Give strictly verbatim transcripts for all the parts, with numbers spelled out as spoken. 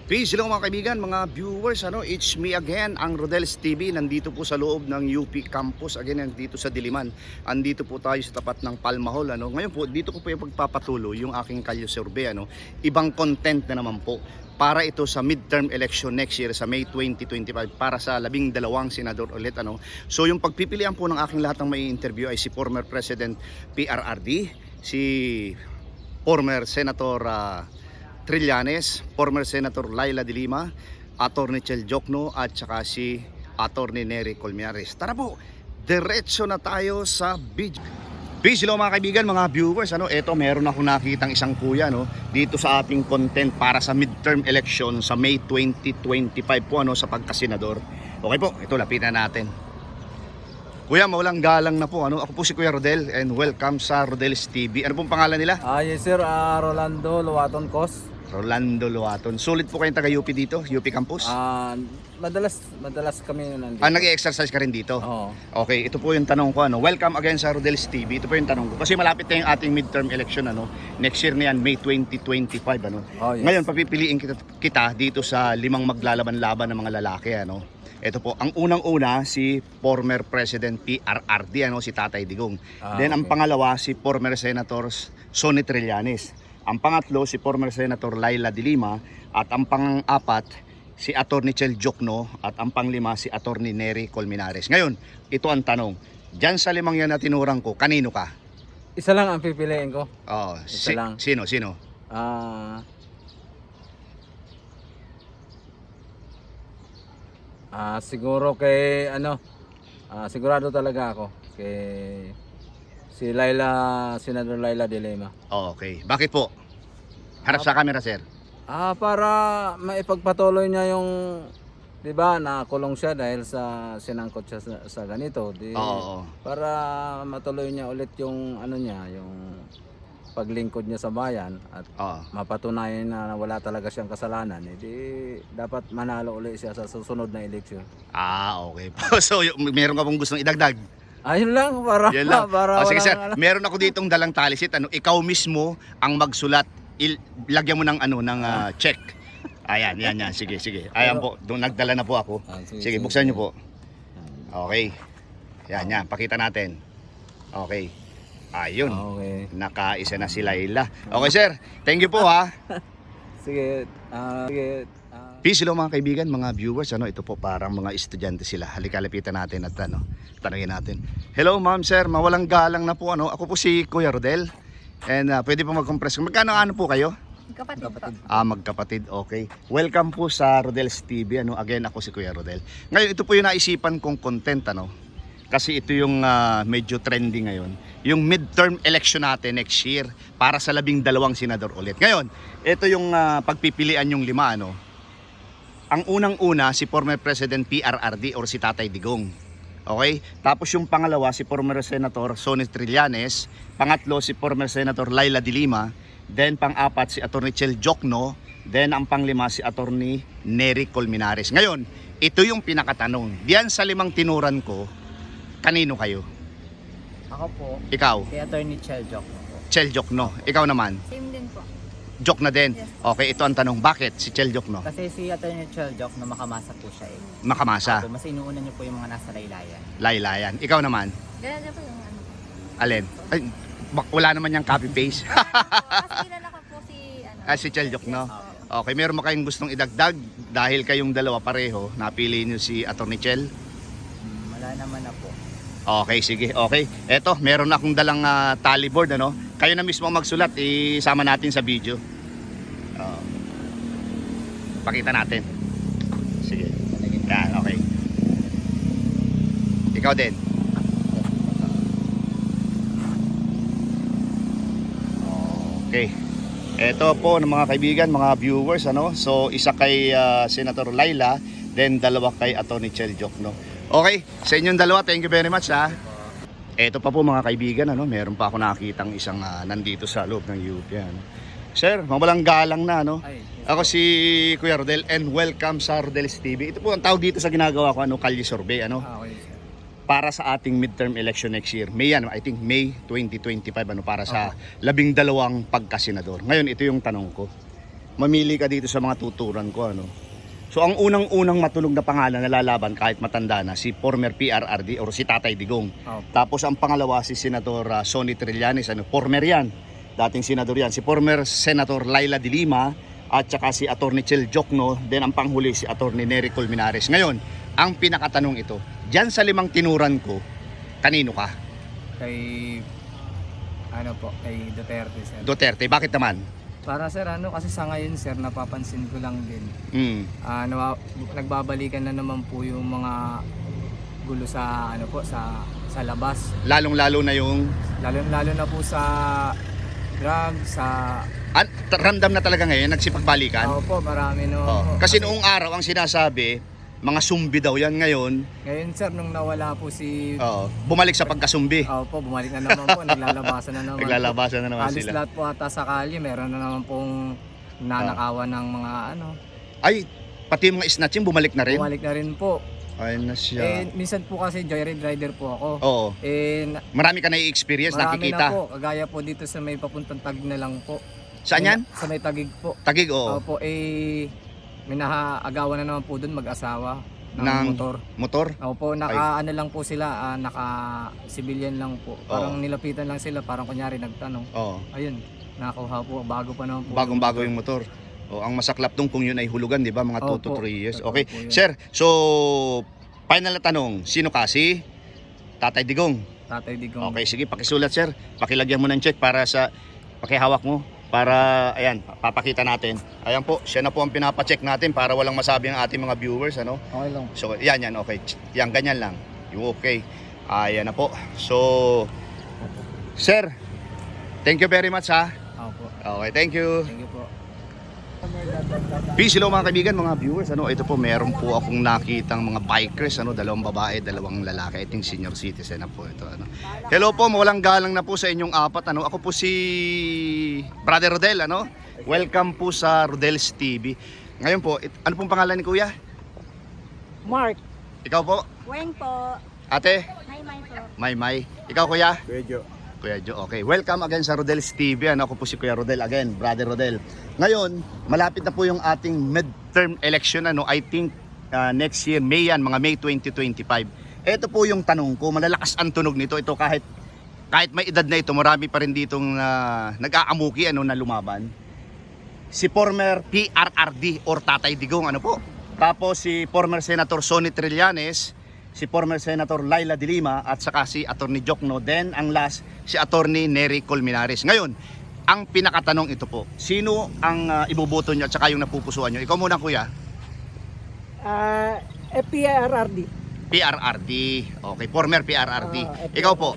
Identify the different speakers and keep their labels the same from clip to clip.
Speaker 1: Peace, hello mga kaibigan, mga viewers, ano, it's me again, ang Rodel's T V. Nandito po sa loob ng U P Campus, again, nandito sa Diliman. Andito po tayo sa tapat ng Palma Hall, ano. Ngayon po, dito ko po yung pagpapatuloy yung aking kalye survey, ano. Ibang content na naman po para ito sa midterm election next year sa May twenty twenty-five para sa labing dalawang senador ulit, ano. So yung pagpipilian po ng aking lahat ng may interview ay si former President P R R D, si former Senator uh, Trillanes, former Senator Laila de Lima, Attorney Chel Jokno at saka si Attorney Nery Colmenares. Tara po, diretso na tayo sa video. Peace, hello mga kaibigan, mga viewers, ano, eto meron ako nakitang isang kuya, no, dito sa ating content para sa midterm election sa May twenty twenty-five po, ano, sa pagkasenador. Okay po, ito lapitan natin. Kuya, mawalang galang na po, ano, ako po si Kuya Rodel and welcome sa Rodel's T V. Ano pong pangalan nila?
Speaker 2: Ah, yes sir, ah, Rolando Luaton Cos.
Speaker 1: Rolando Luaton. Sulit po kayong taga U P dito, U P Campus?
Speaker 2: Ah, madalas madalas kami nandito.
Speaker 1: Ah, nag-exercise ka rin dito?
Speaker 2: Oo.
Speaker 1: Okay, ito po yung tanong ko, ano. Welcome again sa Rodel's T V. Ito po yung tanong ko. Kasi malapit na yung ating midterm election, ano. Next year na yan, May twenty twenty-five, ano.
Speaker 2: Oh, yes.
Speaker 1: Ngayon, papipiliin kita, kita dito sa limang maglalaban-laban ng mga lalaki, ano. Ito po, ang unang-una si former President P R R D, ano, si Tatay Digong.
Speaker 2: Ah,
Speaker 1: Then ang
Speaker 2: okay.
Speaker 1: pangalawa si former Senator Sonny Trillanes. Ang pangatlo si former Senator Laila de Lima at ang pang-apat si Attorney Chel Jokno at ang panglima si Attorney Nery Colmenares. Ngayon, ito ang tanong. Diyan sa limang yan na tinurang ko, kanino ka?
Speaker 2: Isa lang ang pipiliin ko.
Speaker 1: Oh,
Speaker 2: Isa lang.
Speaker 1: Sino? Sino?
Speaker 2: Ah, ah siguro kay ano, ah, sigurado talaga ako kay si Laila, Senador Laila de Lima.
Speaker 1: Oh, okay. Bakit po? Harap sa camera, sir.
Speaker 2: Ah, para maipagpatuloy niya yung, 'di ba, nakulong siya dahil sa sinangkot siya sa, sa ganito. Di,
Speaker 1: Oo, oo.
Speaker 2: Para matuloy niya ulit yung ano niya, yung paglingkod niya sa bayan at
Speaker 1: Oo.
Speaker 2: mapatunayan na wala talaga siyang kasalanan, edi dapat manalo ulit siya sa susunod na eleksyon.
Speaker 1: Ah, okay po. So, y- meron ka pong gustong idagdag?
Speaker 2: Ayun lang para
Speaker 1: Yan lang.
Speaker 2: para
Speaker 1: Oh, sige
Speaker 2: walang
Speaker 1: sir,
Speaker 2: ano.
Speaker 1: meron ako ditong dalang talisit. Ano, ikaw mismo ang magsulat. Il- lagyan mo ng ano ng ah, check. Ayan, yan yan. Sige, sige. Ayan po, doon nagdala na po ako.
Speaker 2: Ah, sige,
Speaker 1: Sige,
Speaker 2: sige,
Speaker 1: buksan
Speaker 2: sige.
Speaker 1: niyo po. Okay. Yan, yan. Pakita natin. Okay. Ayun.
Speaker 2: Okay.
Speaker 1: Nakaisa na si Laila. Okay, sir. Thank you po, ha.
Speaker 2: Sige, ah, sige. ah,
Speaker 1: Peace, hello mga kaibigan, mga viewers. Ano, ito po parang mga estudyante sila. Halika, lapitan natin at ano, tanungin natin. Hello, ma'am, sir. Mawalang galang na po. Ano, ako po si Kuya Rodel. And ah, pwede po mag-compress. Magkano ano po kayo?
Speaker 3: Kapatid,
Speaker 2: Kapatid.
Speaker 3: po.
Speaker 1: Ah, magkapatid. Okay. Welcome po sa Rodel's T V. Ano, again, ako si Kuya Rodel. Ngayon, ito po yung naisipan kong content, ano. Kasi ito yung ah, medyo trending ngayon. Yung midterm election natin next year para sa labing dalawang senador ulit. Ngayon, ito yung ah, pagpipilian yung lima, ano. Ang unang-una si former President P R R D or si Tatay Digong. Okay? Tapos yung pangalawa si former Senator Sonny Trillanes, pangatlo si former Senator Laila de Lima, then pang-apat si Attorney Chel Jokno, then ang panglima si Attorney Nery Colmenares. Ngayon, ito yung pinakatanong. Diyan sa limang tinuran ko, kanino kayo?
Speaker 3: Ako po,
Speaker 1: Ikaw,
Speaker 3: si Attorney Chel Jokno po.
Speaker 1: Chel Jokno. Ikaw naman,
Speaker 3: Same din po.
Speaker 1: Jok na din.
Speaker 3: Yes.
Speaker 1: Okay, ito ang tanong. Bakit si Chel Jokno?
Speaker 3: Kasi si Attorney Chel Jokno makamasa po siya eh.
Speaker 1: Makamasa.
Speaker 3: Ako, mas inuuna niyo po yung mga nasa laylayan.
Speaker 1: Laylayan. Ikaw naman,
Speaker 3: Ganyan po yung ano.
Speaker 1: alin? Ay, bak- wala naman yung copy-paste.
Speaker 3: Mas kilala ko po si ano.
Speaker 1: Ah, si Chel Jokno.
Speaker 3: Oo.
Speaker 1: Okay, meron mo kayong gustong idagdag dahil kayong dalawa pareho, napili niyo si Attorney Chel?
Speaker 3: Hmm, wala naman na po.
Speaker 1: Okay, sige. Okay. Eto, meron akong dalang ah, tally board, ano? Kayo na mismo ang magsulat, isama natin sa video. Oh. Pakita natin. Sige. Yan, okay. Ikaw din. Okay. Ito po ng mga kaibigan, mga viewers, ano. So isa kay ah, Senator Laila, then dalawa kay Attorney Chel Jokno. Okay, sa inyong dalawa, thank you very much, ha. Ito pa po mga kaibigan, ano, meron pa ako nakitang isang ah, nandito sa loob ng U P. Ano. Sir, mawalang galang na, ano.
Speaker 2: Ay, yes.
Speaker 1: Ako si Kuya Rodel and welcome sa Rodel's T V. Ito po ang tawag dito sa ginagawa ko, ano, kalye survey, ano.
Speaker 2: Ah, okay, sir.
Speaker 1: Para sa ating midterm election next year. May yan, I think May twenty twenty-five, ano, para sa labing dalawang pagkasenador. Ngayon, ito yung tanong ko. mamili ka dito sa mga tuturan ko, ano. So ang unang-unang matulog na pangalan na lalaban kahit matanda na si former P R R D or si Tatay Digong.
Speaker 2: Opo.
Speaker 1: Tapos ang pangalawa si Senator uh, Sonny Trillanes, ano, former yan. Dating senador yan. Si former Senator Laila de Lima at saka si Attorney Chel Jokno, then ang panghuli si Attorney Nery Colmenares. Ngayon, ang pinakatanong ito, diyan sa limang tinuran ko, kanino ka?
Speaker 4: Kay ano po, kay Duterte sir.
Speaker 1: Duterte, bakit naman?
Speaker 4: Para sir ano kasi sa ngayon sir napapansin ko lang din.
Speaker 1: Mm.
Speaker 4: Ah nawa- nagbabalikan na naman po yung mga gulo sa ano po sa sa labas.
Speaker 1: Lalong-lalo na yung
Speaker 4: Lalo lalo na po sa drugs, sa
Speaker 1: an, t- ramdam na talaga ngayon nagsipagbalikan.
Speaker 4: ako po marami no.
Speaker 1: Oh.
Speaker 4: po.
Speaker 1: Kasi noong araw ang sinasabi, mga sumbi daw yan ngayon.
Speaker 4: Ngayon sir nung nawala po si
Speaker 1: Oo, bumalik sa pagkasumbi.
Speaker 4: ako po bumalik na naman po, naglalabasan na naman.
Speaker 1: Naglalabasan na
Speaker 4: po.
Speaker 1: naman
Speaker 4: Halos
Speaker 1: sila.
Speaker 4: lahat po ata sa kalye, meron na naman pong nanakawan ng mga ano.
Speaker 1: Ay, pati yung mga snatching bumalik na rin.
Speaker 4: Bumalik na rin po.
Speaker 1: Ay na
Speaker 4: Eh,
Speaker 1: siya.
Speaker 4: minsan po kasi joyride rider po ako.
Speaker 1: Oo.
Speaker 4: Eh, na-
Speaker 1: Marami ka na i-experience,
Speaker 4: marami
Speaker 1: nakikita.
Speaker 4: na po. Kagaya po dito sa may papuntang Taguig na lang po.
Speaker 1: Saan yan?
Speaker 4: Sa may Taguig po.
Speaker 1: Tagig, oo.
Speaker 4: Opo, eh, may nahaagawan na naman po doon mag-asawa ng,
Speaker 1: Ng-
Speaker 4: motor.
Speaker 1: Motor?
Speaker 4: Opo, naka ano lang po sila, ah, naka civilian lang po. Parang nilapitan lang sila, parang kunyari nagtanong.
Speaker 1: Oo.
Speaker 4: Ayun, nakuha po, bago pa naman po.
Speaker 1: Bagong-bago yung motor. O, ang masaklap dong kung yun ay hulugan, di ba? Mga two to
Speaker 4: Opo.
Speaker 1: three years.
Speaker 4: Totoo
Speaker 1: Okay.
Speaker 4: po yun.
Speaker 1: Sir, so, final na tanong. Sino ka? Si Tatay Digong.
Speaker 4: Tatay Digong.
Speaker 1: Okay, sige, pakisulat, sir. Pakilagyan mo ng check para sa, pakihawak mo. Para, ayan, papakita natin. Ayan po, siya na po ang pinapacheck natin para walang masabi ang ating mga viewers, ano?
Speaker 4: Okay lang.
Speaker 1: So, yan, yan, okay. Yan, ganyan lang. Yung okay. Ayan na po. So, sir, thank you very much, ha?
Speaker 4: Opo.
Speaker 1: Okay, thank you.
Speaker 4: Thank you po.
Speaker 1: Peace, hello mga kaibigan, mga viewers. Ano, ito po, meron po akong nakitang mga bikers, ano, dalawang babae, dalawang lalaki. I think senior citizen na po ito, ano. Hello po, mawalang galang na po sa inyong apat, ano. Ako po si Brother Rodel, ano. Welcome po sa Rodel's T V. Ngayon po, it, ano pong pangalan ni Kuya?
Speaker 5: Mark.
Speaker 1: Ikaw po,
Speaker 3: Weng po.
Speaker 1: Ate?
Speaker 3: Hi, May po.
Speaker 1: May May. Ikaw, Kuya?
Speaker 2: Medyo.
Speaker 1: Kuya Jo, okay. Welcome again sa Rodel's T V. Ano, ako po si Kuya Rodel again, Brother Rodel. Ngayon, malapit na po yung ating midterm election. Ano, I think uh, next year, May yan, mga May twenty twenty-five. Ito po yung tanong ko, malalakas ang tunog nito. Ito kahit kahit may edad na ito, marami pa rin ditong uh, nag-aamuki ano, na lumaban. Si former P R R D or Tatay Digong, ano po. Tapos si former Senator Sonny Trillanes, si former Senator Laila de Lima at saka si Attorney Jokno. Then ang last, si Attorney Nery Colmenares. Ngayon, ang pinakatanong ito po, sino ang uh, iboboto nyo at saka yung napupusuan nyo? Ikaw muna, Kuya.
Speaker 5: Ah, uh, P R R D.
Speaker 1: P R R D. Okay, former P R R D.
Speaker 5: Ah,
Speaker 1: Ikaw po,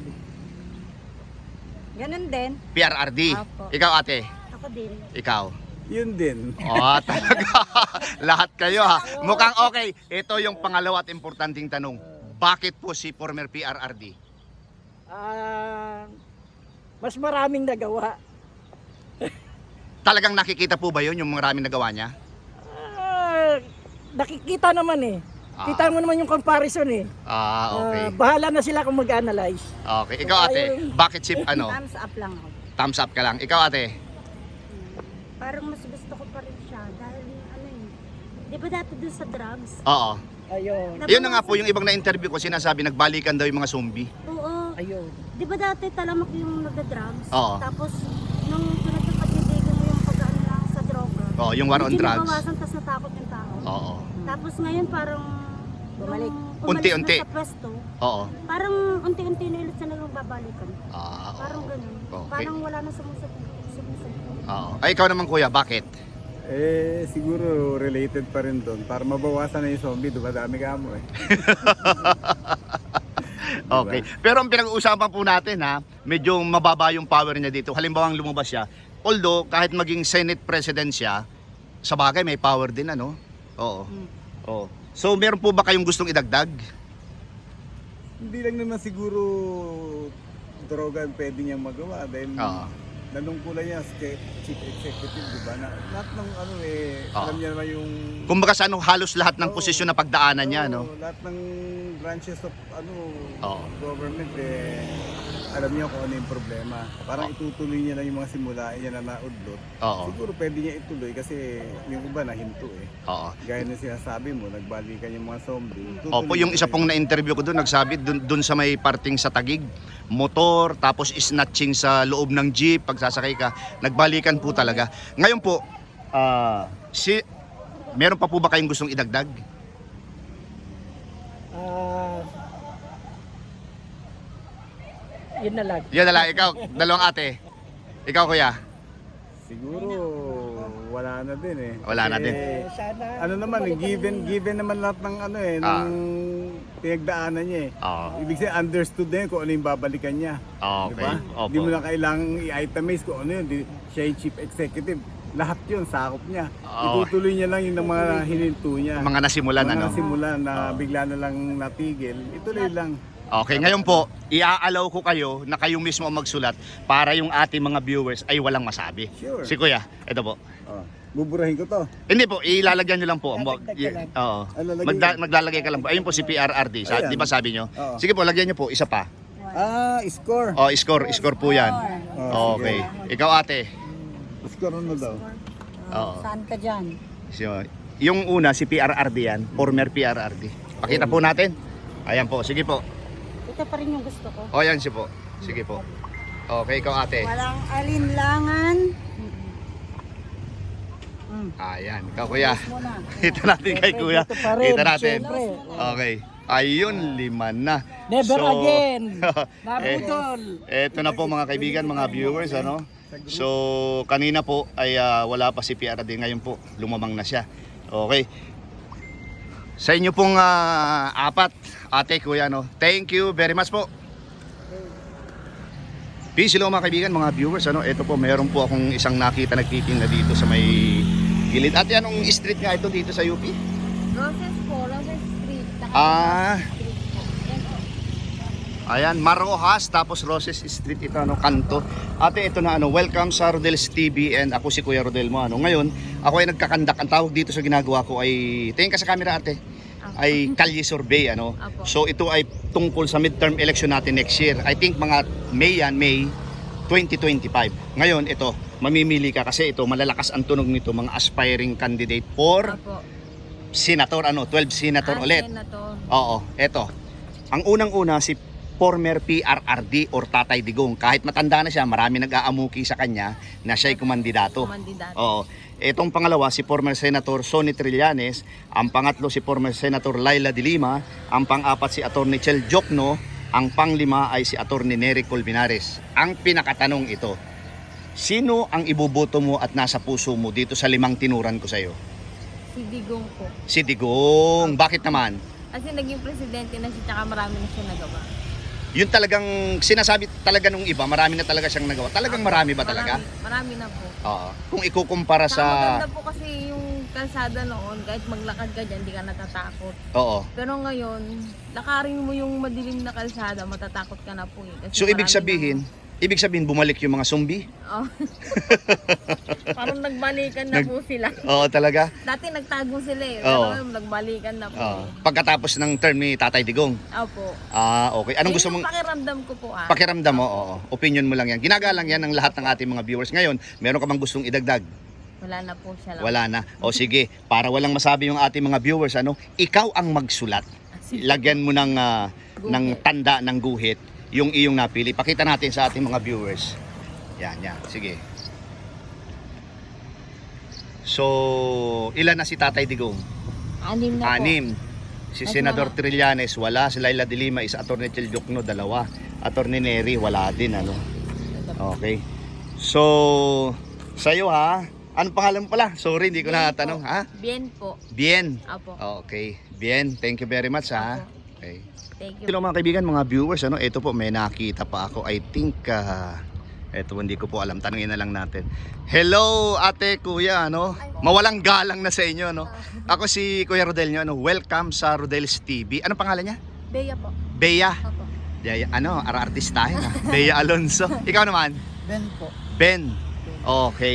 Speaker 3: Ganun din.
Speaker 1: P R R D.
Speaker 3: Apo.
Speaker 1: Ikaw, ate.
Speaker 3: Ako din.
Speaker 1: Ikaw.
Speaker 2: Yun din.
Speaker 1: Oh, talaga. Lahat kayo, ha. Mukhang okay. Ito yung pangalawa at importanteng tanong. Bakit po si former P R R D?
Speaker 5: Ah, mas maraming nagawa.
Speaker 1: Talagang nakikita po ba yun, yung maraming nagawa niya?
Speaker 5: Ah, nakikita naman eh.
Speaker 1: Ah.
Speaker 5: Kita mo naman yung comparison eh.
Speaker 1: Ah, okay.
Speaker 5: Ah, bahala na sila kung mag-analyze.
Speaker 1: Okay. Ikaw, ate. Bakit si, ano,
Speaker 3: Thumbs up lang ako.
Speaker 1: thumbs up ka lang. Ikaw, ate.
Speaker 6: Parang mas gusto ko pa rin siya dahil ano eh. Di ba dati dun sa drugs?
Speaker 1: Oo.
Speaker 5: Ayun.
Speaker 1: Yun na nga po, yung ibang na-interview ko, sinasabi, nagbalikan daw yung mga zombie.
Speaker 6: Oo.
Speaker 5: Ayun.
Speaker 6: Di ba dati talamak yung nagda-drugs?
Speaker 1: Oo.
Speaker 6: Tapos nung pinagpapagdidigan mo yung pag-ano lang sa droga.
Speaker 1: Oo, yung war on
Speaker 6: medyo
Speaker 1: drugs.
Speaker 6: nabawasan, tas natakot yung tao.
Speaker 1: Oo.
Speaker 6: Tapos ngayon parang
Speaker 3: Bumalik.
Speaker 6: nung umalis
Speaker 1: Unti-unti.
Speaker 6: na sa pwesto,
Speaker 1: Oo.
Speaker 6: parang unti-unti na ulit sila nang babalikan.
Speaker 1: Ah,
Speaker 6: Parang ganun.
Speaker 1: Okay.
Speaker 6: Parang wala na sumusunod. sumusunod.
Speaker 1: oo. Ay, ikaw naman, Kuya, bakit?
Speaker 7: Eh, siguro related pa rin doon. Para mabawasan na yung zombie, dumadami ka mo eh.
Speaker 1: Okay. Pero ang pinag-uusapan po natin, ha, medyo mababa yung power niya dito. Halimbawa, lumabas siya. Although, kahit maging Senate President siya, sa bagay may power din, ano? Oo. Oo. So, meron po ba kayong gustong idagdag?
Speaker 7: Hindi lang naman siguro droga ang pwede niyang magawa dahil
Speaker 1: Oo.
Speaker 7: nanungkulan niya, chief executive, di ba? Na, lahat ng ano eh,
Speaker 1: Oo.
Speaker 7: alam niya naman yung...
Speaker 1: Kumbaga sa ano, halos lahat ng
Speaker 7: Oo.
Speaker 1: posisyon na pagdaanan niya, no?
Speaker 7: Oo, lahat ng branches of ano
Speaker 1: Oo.
Speaker 7: government eh, alam niya kung ano yung problema. Parang itutuloy niya lang yung mga simulain niya na naudlot.
Speaker 1: Oo.
Speaker 7: Siguro pwede niya ituloy kasi yung iba nahinto eh.
Speaker 1: Oo.
Speaker 7: Gaya na sinasabi mo, nagbalikan yung mga zombie.
Speaker 1: Opo, yung isa pong na-interview ko doon, nagsabi doon, doon sa may parting sa Tagig, motor, tapos snatching sa loob ng jeep, pagsasakay ka, nagbalikan po talaga. Ngayon po, ah, si, meron pa po ba kayong gustong idagdag?
Speaker 5: Ah, yun na lang.
Speaker 1: Yan na lang, ikaw, dalawang ate. Ikaw kuya,
Speaker 7: Siguro wala na din eh.
Speaker 1: Wala na
Speaker 7: Kasi,
Speaker 1: din.
Speaker 5: Eh, sana
Speaker 7: Ano naman eh, given given naman lahat ng ano eh,
Speaker 1: Ah.
Speaker 7: ng pinagdaanan niya eh.
Speaker 1: Oo.
Speaker 7: Ibig sabihin understood din kung ano yung babalikan niya.
Speaker 1: Okay,
Speaker 7: Diba?
Speaker 1: opo.
Speaker 7: Hindi mo na kailangang i-itemize kung ano yun. Di, siya yung chief executive. Lahat yun, sakop niya.
Speaker 1: Oo.
Speaker 7: Itutuloy niya lang yung ng mga hininto niya.
Speaker 1: Mga nasimulan,
Speaker 7: mga
Speaker 1: ano?
Speaker 7: nasimulan na
Speaker 1: Oo.
Speaker 7: bigla na lang natigil. Ituloy lang.
Speaker 1: Okay, ngayon po, iaalaw ko kayo na kayo mismo ang magsulat para yung ating mga viewers ay walang masabi.
Speaker 7: Sure.
Speaker 1: Si kuya, ito po.
Speaker 7: Oh, buburahin ko to.
Speaker 1: Hindi po, ilalagyan nyo lang po.
Speaker 5: Dadagdag ka lang.
Speaker 1: Oo.
Speaker 7: Ah, lalagay
Speaker 1: Magda-
Speaker 7: yun.
Speaker 1: maglalagay ka lang po. Ayun po si P R R D. Sa,
Speaker 7: Ayan.
Speaker 1: di ba sabi nyo?
Speaker 7: Oo.
Speaker 1: Sige po, lagyan nyo po. Isa pa.
Speaker 7: Ah, score.
Speaker 1: Oh, score. Score po yan.
Speaker 7: Oh,
Speaker 1: Okay. Ikaw ate.
Speaker 7: Score ano daw?
Speaker 1: Oo.
Speaker 3: Saan ka dyan?
Speaker 1: So, yung una, si P R R D yan. Former P R R D. Pakita po natin. Ayan po. Sige po.
Speaker 3: Ito pa rin yung gusto ko.
Speaker 1: O, yan siya po. Sige po. Okay, ikaw ate.
Speaker 3: Walang alinlangan.
Speaker 1: Ayan. Ikaw kuya.
Speaker 3: Muna.
Speaker 1: Kita natin kay kuya.
Speaker 5: Dito pa rin,
Speaker 1: Kita natin.
Speaker 5: syempre.
Speaker 1: Okay. Ayun, lima na.
Speaker 5: Never
Speaker 1: So,
Speaker 5: again.
Speaker 1: eh,
Speaker 5: Nabudol.
Speaker 1: Eto na po mga kaibigan, mga viewers, ano? So, kanina po ay ah, wala pa si P R D, ngayon po lumamang na siya. Okay. Sa inyo pong ah, apat, ate, kuya, no? Thank you very much po. Peace, hello mga kaibigan, mga viewers, ano? Ito po, meron po akong isang nakita nagtitinda dito sa may gilid. Ate, anong street nga ito dito sa U P?
Speaker 6: Roses po, Roses Street.
Speaker 1: Ah,
Speaker 6: Street po. Yan po.
Speaker 1: ayan, Marojas, tapos Roses Street ito, ano, kanto. Ate, ito na, ano, welcome sa Rodel's T V and ako si Kuya Rodel mo, ano. Ngayon, ako ay nagkakandak. Ang tawag dito sa ginagawa ko ay, tingin ka sa camera ate, ay kalye survey, ano.
Speaker 6: Apo.
Speaker 1: So, ito ay tungkol sa midterm election natin next year. I think mga May yan, May twenty twenty-five. Ngayon, ito, mamimili ka kasi ito, malalakas ang tunog nito, mga aspiring candidate for
Speaker 6: Apo.
Speaker 1: senator, ano, twelve senator
Speaker 6: Ah,
Speaker 1: ulit.
Speaker 6: Senator.
Speaker 1: Oo, eto. Ang unang-una si former P R R D or Tatay Digong. Kahit matanda na siya, marami nag-aamuki sa kanya na siya'y kumandidato.
Speaker 6: Kumandidato.
Speaker 1: Oo. Etong pangalawa si former Senator Sonny Trillanes, ang pangatlo si former Senator Laila de Lima, ang pang-apat si Attorney Chel Jokno, ang panglima ay si Attorney Nery Colmenares. Ang pinakatanong ito, sino ang iboboto mo at nasa puso mo dito sa limang tinuran ko sa iyo?
Speaker 6: Si Digong po.
Speaker 1: Si Digong. Bakit naman?
Speaker 6: Kasi naging presidente na siya, tsaka marami na siya nagawa.
Speaker 1: Yun talagang sinasabi talaga nung iba, marami na talaga siyang nagawa. Talagang marami ba talaga?
Speaker 6: Marami, marami na po.
Speaker 1: Oo. Kung ikukumpara
Speaker 6: Saka
Speaker 1: sa...
Speaker 6: maganda po kasi yung kalsada noon, kahit maglakad ka dyan, di ka natatakot.
Speaker 1: Oo.
Speaker 6: Pero ngayon, lakarin mo yung madilim na kalsada, matatakot ka na po eh. Kasi
Speaker 1: So ibig
Speaker 6: marami
Speaker 1: sabihin, ibig sabihin bumalik yung mga zombie?
Speaker 6: na- oh. Parang nagbalikan na
Speaker 1: Nag-
Speaker 6: po sila.
Speaker 1: Oo talaga.
Speaker 6: Dati nagtago sila eh,
Speaker 1: Oo.
Speaker 6: pero ngayon nagbalikan na po.
Speaker 1: Oo.
Speaker 6: eh.
Speaker 1: Pagkatapos ng term ni Tatay Digong.
Speaker 6: Opo.
Speaker 1: Ah, okay. Anong
Speaker 6: Yun
Speaker 1: gusto
Speaker 6: yung
Speaker 1: mong
Speaker 6: pakiramdam ko po ah.
Speaker 1: pakiramdam mo? Oo. Opinion mo lang yan. Ginagalang yan ng lahat ng ating mga viewers. Ngayon, meron ka bang gustong idagdag?
Speaker 6: Wala na po siya lang.
Speaker 1: Wala na. O sige, para walang masabi yung ating mga viewers, ano, ikaw ang magsulat. Lagyan mo ng ah, ng tanda ng guhit yung iyong napili. Pakita natin sa ating mga viewers. Yan, yan. Sige. So, ilan na si Tatay Digong?
Speaker 6: Anim na
Speaker 1: Anim. Si
Speaker 6: Mas
Speaker 1: Senador
Speaker 6: mga-
Speaker 1: Trillanes, wala. Si Laila de Lima, isa. Attorney Chel Jokno, dalawa. Attorney Nery, wala din, ano. Okay. So, sa'yo ha, anong pangalan mo pala? Sorry, hindi ko
Speaker 6: Bien
Speaker 1: na
Speaker 6: po.
Speaker 1: tanong. Ha?
Speaker 6: Bien po.
Speaker 1: Bien.
Speaker 6: Apo.
Speaker 1: Okay. Bien. Thank you very much, ha.
Speaker 6: Apo.
Speaker 1: Okay.
Speaker 6: Thank you.
Speaker 1: Hello mga kaibigan, mga viewers, ano, ito po may nakita pa ako. I think uh, ito hindi ko po alam, tanungin na lang natin. Hello ate, kuya, ano? Mawalang galang na sa inyo, no? Ako si Kuya Rodel nyo, ano? Welcome sa Rodel's T V. Ano pangalan niya?
Speaker 6: Bea po.
Speaker 1: Bea.
Speaker 6: Apo.
Speaker 1: Bea, ano, ara-artistahin, ha? Bea Alonso. Ikaw naman?
Speaker 5: Ben po.
Speaker 1: Ben. Okay.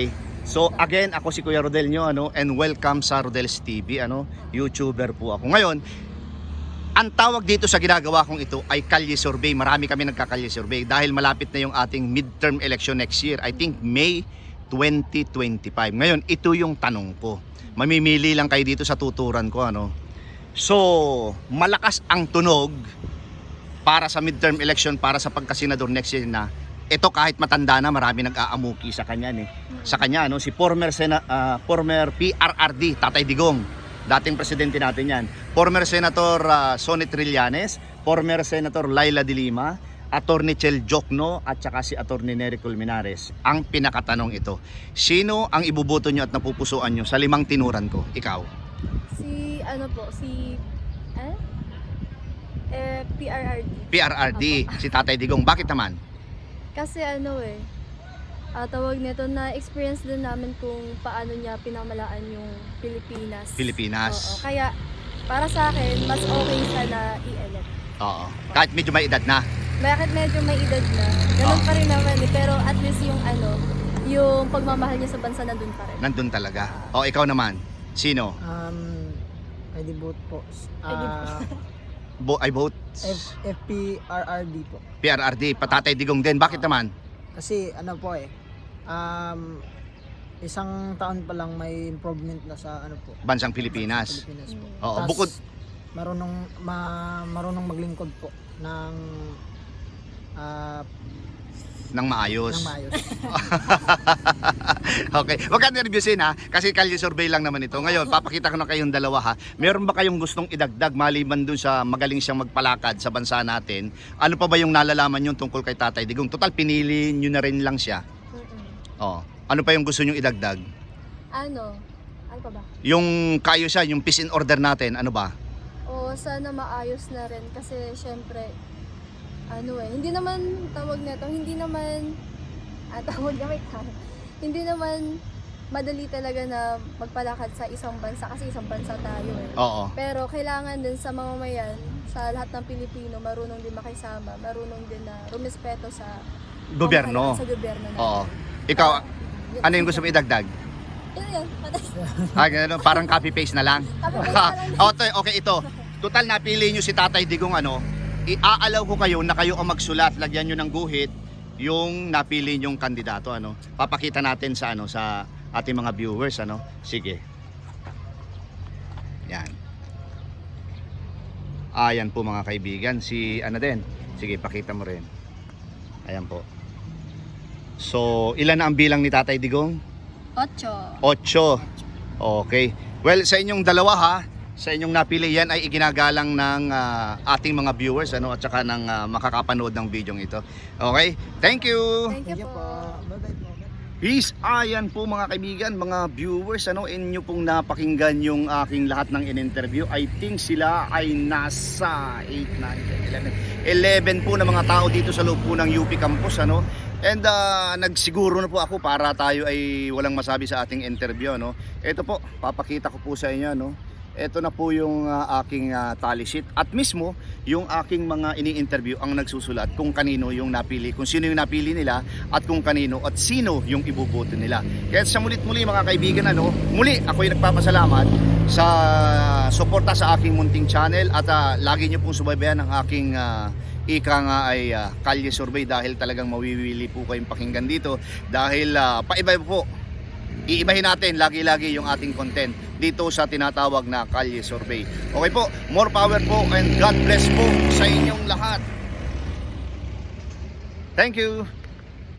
Speaker 1: So again, ako si Kuya Rodel nyo, ano, and welcome sa Rodel's T V, ano, YouTuber po ako. Ngayon, ang tawag dito sa ginagawa kong ito ay kalye survey. Marami kami nagkakalye survey dahil malapit na yung ating midterm election next year. I think May twenty twenty-five. Ngayon, ito yung tanong ko. Mamimili lang kayo dito sa tuturan ko, ano. So, malakas ang tunog para sa midterm election, para sa pagkasenador next year na ito kahit matanda na, marami nag-aamuki sa kanya eh. Sa kanya, no, si former Sena, ah, former P R R D Tatay Digong, dating presidente natin yan. Former Senator uh, Sonny Trillanes, former Senator Laila de Lima, Attorney Chel Jokno at saka si Attorney Nery Colmenares. Ang pinakatanong ito, sino ang ibuboto nyo at napupusuan nyo sa limang tinuran ko? Ikaw.
Speaker 8: Si ano po, si eh? Eh, P R R D.
Speaker 1: P R R D, si Tatay Digong. Bakit naman?
Speaker 8: Kasi ano eh, ah, tawag nito, na experience din namin kung paano niya pinamalaan yung Pilipinas.
Speaker 1: Pilipinas.
Speaker 8: Oo, kaya para sa akin, mas okay siya na i-elect.
Speaker 1: Oo. Kahit medyo may edad na.
Speaker 8: Bakit medyo may edad na, ganun
Speaker 1: Oo.
Speaker 8: pa rin naman eh, pero at least yung ano, yung pagmamahal niya sa bansa nandun pa rin.
Speaker 1: Nandun talaga. O, ikaw naman. Sino?
Speaker 5: Um, I D vote po. Ah,
Speaker 1: Bo I vote
Speaker 5: F, P R R D po.
Speaker 1: P R R D, Patatay Digong din. Bakit naman?
Speaker 5: Kasi ano po eh, um, isang taon pa lang may improvement na sa ano po,
Speaker 1: Bansang Pilipinas.
Speaker 5: Pilipinas po.
Speaker 1: Oo,
Speaker 5: Tas,
Speaker 1: bukod
Speaker 5: marunong ma, marunong maglingkod po ng ah,
Speaker 1: ng maayos.
Speaker 5: ng maayos.
Speaker 1: Okay, wag ka nervyusin ha, kasi kalye survey lang naman ito. Ngayon, papakita ko na kayong dalawa ha. Meron ba kayong gustong idagdag maliban dun sa magaling siyang magpalakad sa bansa natin? Ano pa ba yung nalalaman nyo tungkol kay Tatay Digong? Total, pinili nyo na rin lang siya.
Speaker 8: Mm-mm.
Speaker 1: Oh. Ano pa yung gusto nyo idagdag?
Speaker 8: Ano? Ano pa ba?
Speaker 1: Yung kayo siya, yung peace in order natin, ano ba?
Speaker 8: O sana maayos na rin kasi syempre ano eh, hindi naman tawag nito, hindi naman ah, tawag na wait ha. Hindi naman madali talaga na magpalakad sa isang bansa kasi isang bansa tayo eh.
Speaker 1: Oo.
Speaker 8: Pero kailangan din sa mamamayan, sa lahat ng Pilipino, marunong din makisama, marunong din na rumispeto sa
Speaker 1: Gobyerno.
Speaker 8: pamahalaan sa gobyerno natin.
Speaker 1: Oo. Ikaw,
Speaker 8: Yun-
Speaker 1: ano yung gusto mo idagdag?
Speaker 8: Yun yun, patay.
Speaker 1: Ah, ganun, parang copy-paste na lang.
Speaker 8: Copy-paste na lang.
Speaker 1: okay, okay, ito. Total, napili nyo si Tatay Digong, ano, iaalaw ko kayo na kayo ang magsulat, lagyan nyo ng guhit yung napili nyong kandidato, ano. Papakita natin sa ano sa ating mga viewers, ano. Sige. Yan. Ayan po mga kaibigan, si ano din. Sige, pakita mo rin. Ayan po. So, ilan na ang bilang ni Tatay Digong?
Speaker 8: Ocho.
Speaker 1: Ocho. Okay. Well, sa inyong dalawa ha, sa inyong napili yan ay iginagalang ng ah, ating mga viewers, ano, at saka ng ah, makakapanood ng video ito. Okay? Thank you!
Speaker 8: Thank you
Speaker 5: Thank you
Speaker 8: po.
Speaker 5: po. Bye-bye po.
Speaker 1: Peace! Ayan po mga kaibigan, mga viewers, ano, inyo pong napakinggan yung aking lahat ng in-interview. I think sila ay nasa eight, nine, ten, eleven, eleven po na mga tao dito sa loob po ng U P campus, ano. And uh, nagsiguro na po ako para tayo ay walang masabi sa ating interview, no. Ito po, papakita ko po sa inyo, no. Ito na po yung uh, aking uh, tally sheet at mismo yung aking mga ini-interview ang nagsusulat kung kanino yung napili, kung sino yung napili nila at kung kanino at sino yung ibuboto nila. Kaya sa mulit muli mga kaibigan, ano, muli ako yung nagpapasalamat sa suporta sa aking munting channel at uh, lagi nyo pong subaybayan ang aking uh, ika nga ay uh, kalye survey dahil talagang mawiwili po kayong pakinggan dito dahil uh, paiba po. Iibahin natin lagi-lagi yung ating content dito sa tinatawag na Kalye Survey. Okay po, more power po and God bless po sa inyong lahat. Thank you!